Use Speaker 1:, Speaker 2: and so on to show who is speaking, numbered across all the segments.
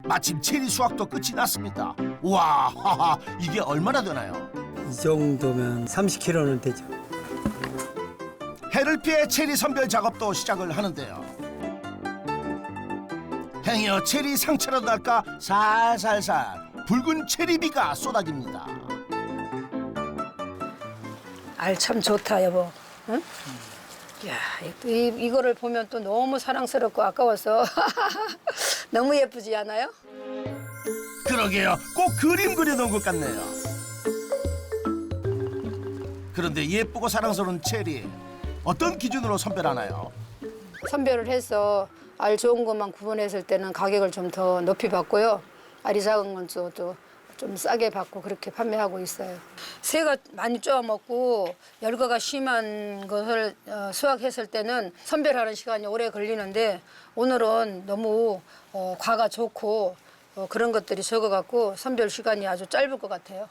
Speaker 1: 마침 체리 수확도 끝이 났습니다. 우와, 하하, 이게 얼마나 되나요?
Speaker 2: 이 정도면 30kg는 되죠.
Speaker 1: 해를 피해 체리 선별 작업도 시작을 하는데요. 행여 체리 상처라도 날까 살살살 붉은 체리비가 쏟아집니다.
Speaker 3: 알 참 좋다 여보. 응? 야, 이거를 보면 또 너무 사랑스럽고 아까워서 너무 예쁘지 않아요?
Speaker 1: 그러게요. 꼭 그림 그려놓은 것 같네요. 그런데 예쁘고 사랑스러운 체리, 어떤 기준으로 선별하나요?
Speaker 3: 선별을 해서 알 좋은 것만 구분했을 때는 가격을 좀 더 높이 받고요. 알이 작은 건 또 좀 싸게 받고 그렇게 판매하고 있어요. 새가 많이 쪼아 먹고 열과가 심한 것을 수확했을 때는 선별하는 시간이 오래 걸리는데 오늘은 너무 과가 좋고 그런 것들이 적어갖고 선별 시간이 아주 짧을 것 같아요.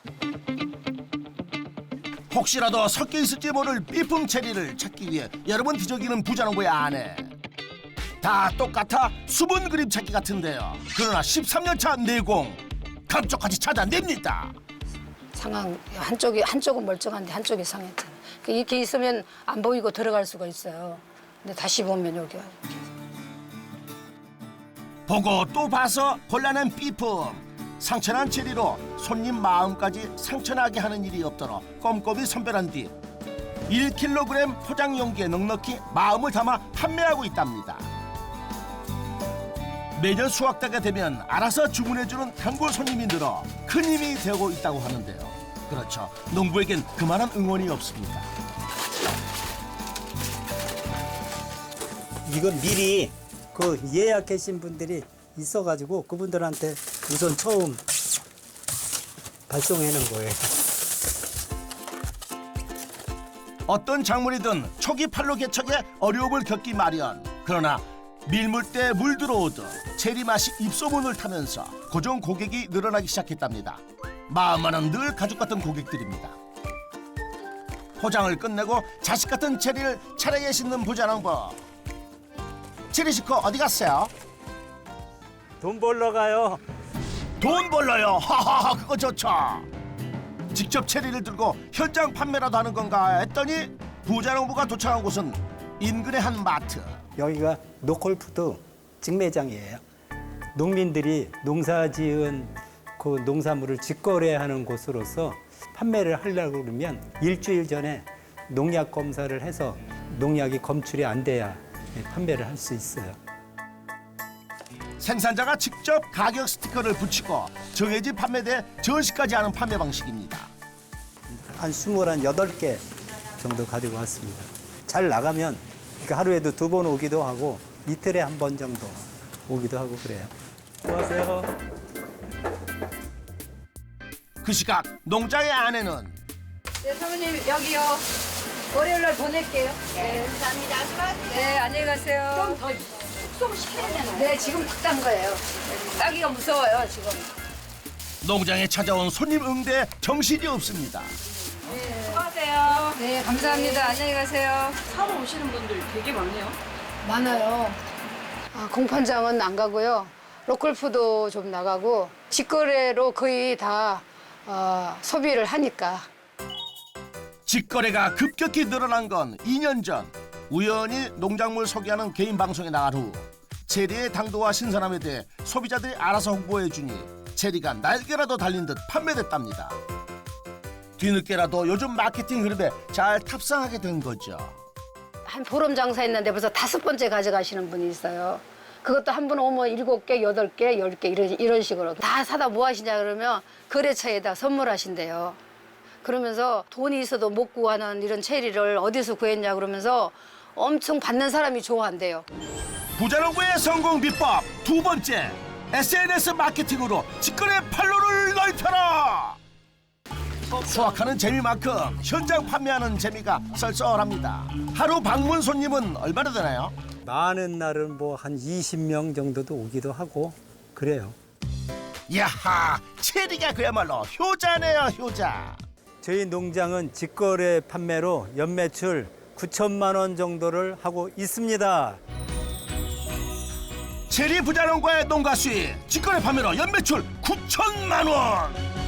Speaker 1: 혹시라도 섞여 있을지 모를 삐품 체리를 찾기 위해 여러 번 뒤적이는 부자농부의 아내. 다 똑같아 수분 그림 찾기 같은데요. 그러나 13년차 내공 감쪽같이 찾아냅니다.
Speaker 3: 상황 한쪽은 멀쩡한데 한쪽이 상했잖아요. 이렇게 있으면 안 보이고 들어갈 수가 있어요. 근데 다시 보면 여기
Speaker 1: 보고 또 봐서 곤란한 삐품. 상처난 체리로 손님 마음까지 상처나게 하는 일이 없도록 꼼꼼히 선별한 뒤 1kg 포장 용기에 넉넉히 마음을 담아 판매하고 있답니다. 매년 수확대가 되면 알아서 주문해주는 단골 손님이 늘어 큰 힘이 되고 있다고 하는데요. 그렇죠. 농부에겐 그만한 응원이 없습니다.
Speaker 2: 이건 미리 그 예약하신 분들이 있어가지고 그분들한테 우선 처음 발송해 놓은 거예요.
Speaker 1: 어떤 작물이든 초기 판로 개척에 어려움을 겪기 마련. 그러나 밀물 때 물 들어오듯 체리 맛이 입소문을 타면서 고정 고객이 늘어나기 시작했답니다. 마음만은 늘 가족 같은 고객들입니다. 포장을 끝내고 자식 같은 체리를 차례에 싣는 부자농부. 체리 식구 어디 갔어요?
Speaker 2: 돈 벌러 가요.
Speaker 1: 돈 벌러요. 하하하, 그거 좋죠. 직접 체리를 들고 현장 판매라도 하는 건가 했더니 부자농부가 도착한 곳은 인근의 한 마트.
Speaker 2: 여기가 노컬푸드 직매장이에요. 농민들이 농사지은 그 농산물을 직거래하는 곳으로서 판매를 하려고 그러면 일주일 전에 농약 검사를 해서 농약이 검출이 안 돼야 판매를 할 수 있어요.
Speaker 1: 생산자가 직접 가격 스티커를 붙이고 정해진 판매대에 전시까지 하는 판매 방식입니다.
Speaker 2: 한 28개 정도 가지고 왔습니다. 잘 나가면 하루에도 2번 오기도 하고 이틀에 한 번 정도 오기도 하고 그래요. 안녕하세요.
Speaker 1: 그 시각 농장의 아내는
Speaker 3: 네, 사모님 여기요. 월요일 날 보낼게요. 네, 감사합니다. 네, 안녕히 가세요. 좀 더 숙성시켜야 되나요? 네, 지금 딱 딴 거예요. 따기가 무서워요, 지금.
Speaker 1: 농장에 찾아온 손님 응대에 정신이 없습니다.
Speaker 3: 네, 수고하세요. 네, 감사합니다. 안녕히 가세요.
Speaker 4: 사러 오시는 분들이 되게 많네요.
Speaker 3: 많아요. 공판장은 안 가고요. 로컬푸드 좀 나가고 직거래로 거의 다 소비를 하니까.
Speaker 1: 직거래가 급격히 늘어난 건 2년 전 우연히 농작물 소개하는 개인 방송에 나간 후 체리의 당도와 신선함에 대해 소비자들이 알아서 홍보해 주니 체리가 날개라도 달린 듯 판매됐답니다. 뒤늦게라도 요즘 마케팅 흐름에 잘 탑승하게 된 거죠.
Speaker 3: 한 보름 장사했는데 벌써 5번째 가져가시는 분이 있어요. 그것도 한 분 오면 7개, 8개, 10개 이런 식으로 다 사다 뭐 하시냐 그러면 거래처에다 선물하신대요. 그러면서 돈이 있어도 못 구하는 이런 체리를 어디서 구했냐 그러면서 엄청 받는 사람이 좋아한대요.
Speaker 1: 부자농부의 성공 비법 두 번째, SNS 마케팅으로 직거래 판로를 넓혀라. 수확하는 재미만큼 현장 판매하는 재미가 썰썰합니다. 하루 방문 손님은 얼마나 되나요?
Speaker 2: 많은 날은 뭐 한 20명 정도도 오기도 하고 그래요.
Speaker 1: 야하, 체리가 그야말로 효자네요, 효자.
Speaker 2: 저희 농장은 직거래 판매로 연매출 9천만 원 정도를 하고 있습니다.
Speaker 1: 체리 부자농과의 농가 수익 직거래 판매로 연매출 9천만 원.